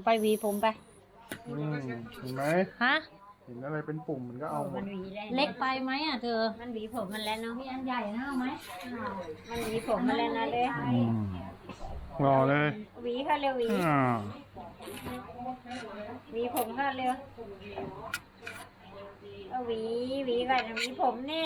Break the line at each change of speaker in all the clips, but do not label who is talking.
ไปหวีผมไป
เห็นไหม
ฮะ
เห็นอะไรเป็นปุ่มมันก็เอาหมด
เล็กไปไหมอ่ะเธอ
มันหวีผมมันแล้วเนาะ
พี่อันใหญ่นะเอาไหม
มันหวีผมมันแล้วนะเลย
รอเลย
หวีค่ะเร็วหวี
อ่า
หวีผมค่ะเร็วเอาหวีก่อนหวีผมนี่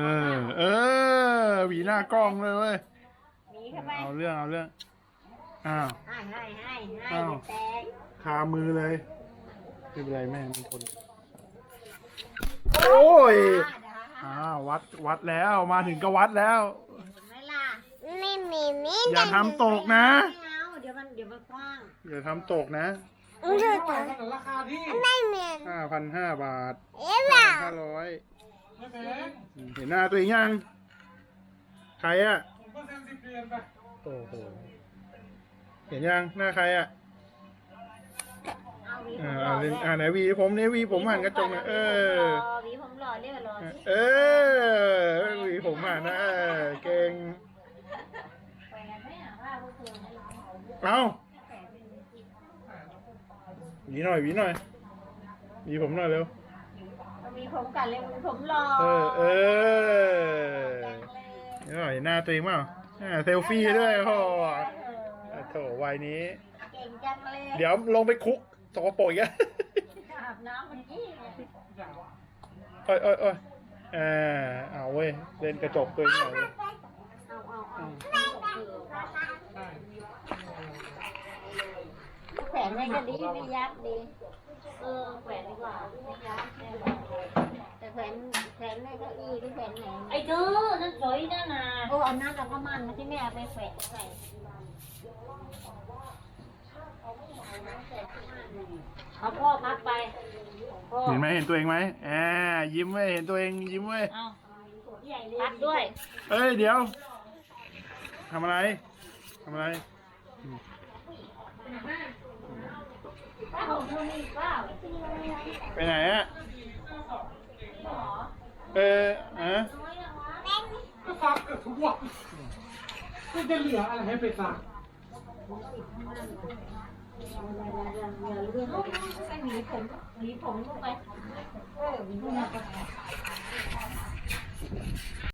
หวีหน้ากล้องเลยเว้ย
หวีเข้าไป
เอาเรื่องอ้าว
ให้
อ้าว
แตก
คามือเลยไม่เป็นไรแม่มันทนโอ้ยวัดแล้วมาถึงก็วัดแล้ว
เห็นไหมล่ะ
อย่าทำตกนะ
ไม่เอาเดี๋ยวมันกว้าง
อย่าทำตกนะ
ราคาที่
5,500 บาท5,500เห็นหน้าตัวเองยังใครอ่ะ
ผมก็เซ็น10 เดือนไป
โอ้โหเห็นยังหน้าใครอ่ะ
เอาหวีผมหล่
อ่า
อด้วย
ไหนวีผมหันกระจกหน่อย
หวีผมหล่อเรียกว่าหล่อสิ
วีผมหันนะเก่ง
แขวนไหมอ่ะว่าพวกเธอไม่ร้อง
เอาหวีหน่อยหวีผมหน่อยเร็ว
เอาหวีผมกันเลยหวีผมหล่อ
นี่หน่อยหน้าตัวเองเปล่าเซลฟี่ด้วยพ่อโถวัยนี้
เก่งจังเลย
เดี๋ยวลงไปคุกสกปรกอีกอ่ะ
อาบน้ำมันยี่เนี่ย
โอ้ยเอาเว้ยเล่นกระจกตัวเองหน่อยเลย
แขวนไว้ก็ดีไม่ยับดีแขวนดีกว่าไม่ยับแต่แขวนในเก้าอี้ที่แขวนไหน
ไอ้เธอนั่นสวยนั่นน่ะ
โอ้เอานั่นกับผ้ามันมาที่แม่เอาไปแขวนใส่
เอาพ่อพักไปพ่อ
เห็นไหมเห็นตัวเองไหมยิ้มเว้ยเห็นตัวเองยิ้มเว้ย
เอา
ใหญ่เลย
พักด้วย
เดี๋ยวทำอะไร ไปไหนอ่ะ
ก็ซักกับทุกวันก็จะเหลืออะไรให้ไปซัก
ใส่หวีผมลงไปหวีผม